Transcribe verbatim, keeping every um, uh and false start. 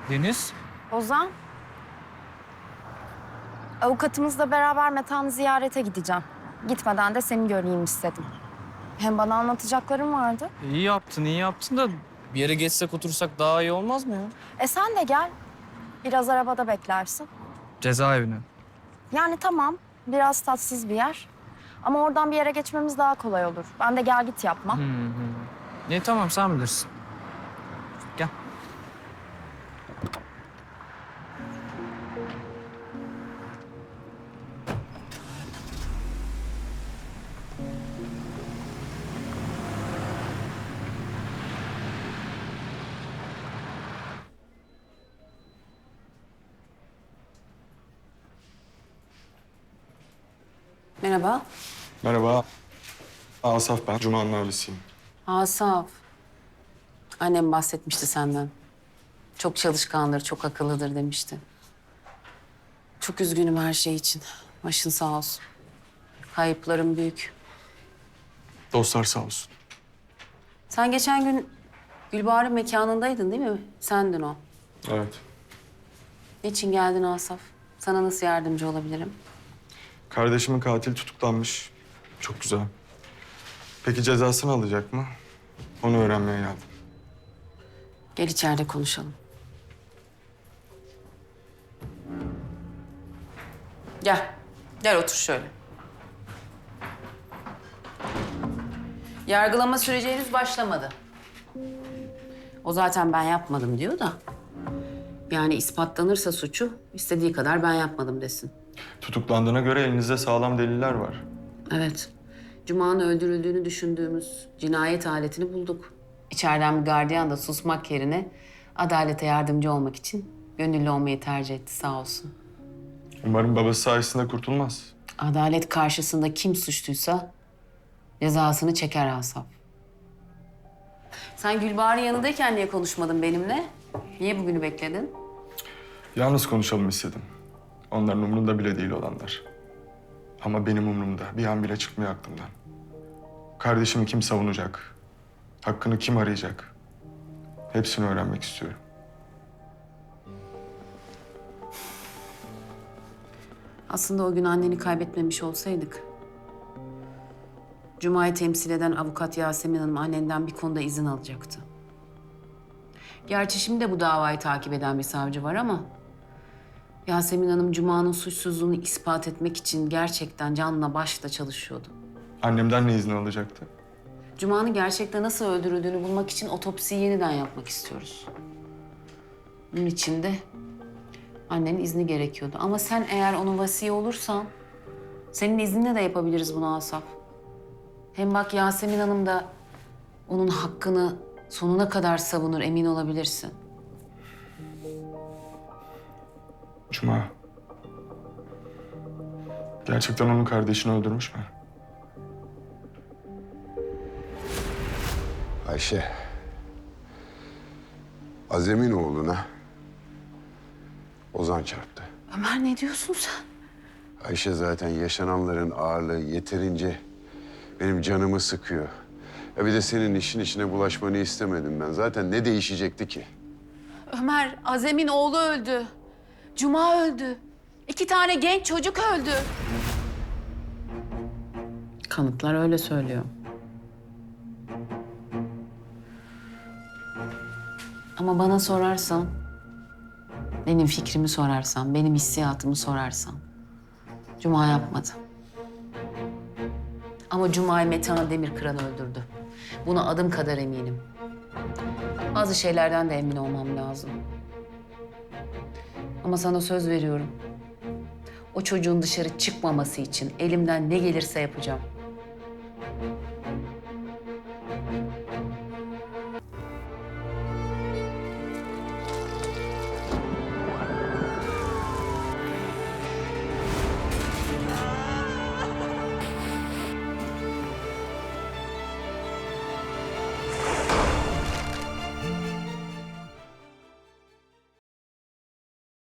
Deniz? Ozan. Avukatımızla beraber Metehan'ı ziyarete gideceğim. Gitmeden de seni göreyim istedim. Hem bana anlatacaklarım vardı. İyi yaptın, iyi yaptın da bir yere geçsek otursak daha iyi olmaz mı ya? E sen de gel. Biraz arabada beklersin. Cezaevine. Yani tamam, biraz tatsız bir yer. Ama oradan bir yere geçmemiz daha kolay olur. Ben de gel git yapmam. Hı hı. İyi tamam, sen bilirsin. Gel. Merhaba. Merhaba. Asaf ben. Cuma'nın abisiyim. Asaf. Annem bahsetmişti senden. Çok çalışkandır, çok akıllıdır demişti. Çok üzgünüm her şey için. Başın sağ olsun. Kayıplarım büyük. Dostlar sağ olsun. Sen geçen gün Gülbahar'ın mekanındaydın değil mi? Sendin o. Evet. Niçin geldin Asaf? Sana nasıl yardımcı olabilirim? Kardeşimin katili tutuklanmış. Çok güzel. Peki cezasını alacak mı? Onu öğrenmeye geldim. Gel içeride konuşalım. Gel. Gel otur şöyle. Yargılama süreci henüz başlamadı. O zaten ben yapmadım diyor da. Yani ispatlanırsa suçu istediği kadar ben yapmadım desin. Tutuklandığına göre elinizde sağlam deliller var. Evet. Cuma'nın öldürüldüğünü düşündüğümüz cinayet aletini bulduk. İçeriden bir gardiyan da susmak yerine adalete yardımcı olmak için gönüllü olmayı tercih etti sağ olsun. Umarım babası sayesinde kurtulmaz. Adalet karşısında kim suçluysa cezasını çeker Asaf. Sen Gülbahar'ın yanındayken niye konuşmadın benimle? Niye bugünü bekledin? Yalnız konuşalım istedim. Onların umrunda bile değil olanlar. Ama benim umrumda. Bir an bile çıkmıyor aklımdan. Kardeşimi kim savunacak? Hakkını kim arayacak? Hepsini öğrenmek istiyorum. Aslında o gün anneni kaybetmemiş olsaydık... Cuma'yı temsil eden avukat Yasemin Hanım annenden bir konuda izin alacaktı. Gerçi şimdi de bu davayı takip eden bir savcı var ama... Yasemin Hanım Cuma'nın suçsuzluğunu ispat etmek için gerçekten canla başla çalışıyordu. Annemden ne izni alacaktı? Cuma'nın gerçekten nasıl öldürüldüğünü bulmak için otopsiyi yeniden yapmak istiyoruz. Bunun için de annenin izni gerekiyordu. Ama sen eğer onun vasiyi olursan... senin izninle de yapabiliriz bunu Asaf. Hem bak Yasemin Hanım da onun hakkını sonuna kadar savunur, emin olabilirsin. Cuma. Gerçekten onun kardeşini öldürmüş mü? Ayşe, Azem'in oğluna Ozan çarptı. Ömer ne diyorsun sen? Ayşe zaten yaşananların ağırlığı yeterince benim canımı sıkıyor. Ya bir de senin işin içine bulaşmanı istemedim ben. Zaten ne değişecekti ki? Ömer, Azem'in oğlu öldü. Cuma öldü. İki tane genç çocuk öldü. Kanıtlar öyle söylüyor. Ama bana sorarsan, benim fikrimi sorarsan, benim hissiyatımı sorarsan... Cuma yapmadı. Ama Cuma'yı Metehan Demirkıran öldürdü. Buna adım kadar eminim. Bazı şeylerden de emin olmam lazım. Ama sana söz veriyorum. O çocuğun dışarı çıkmaması için elimden ne gelirse yapacağım.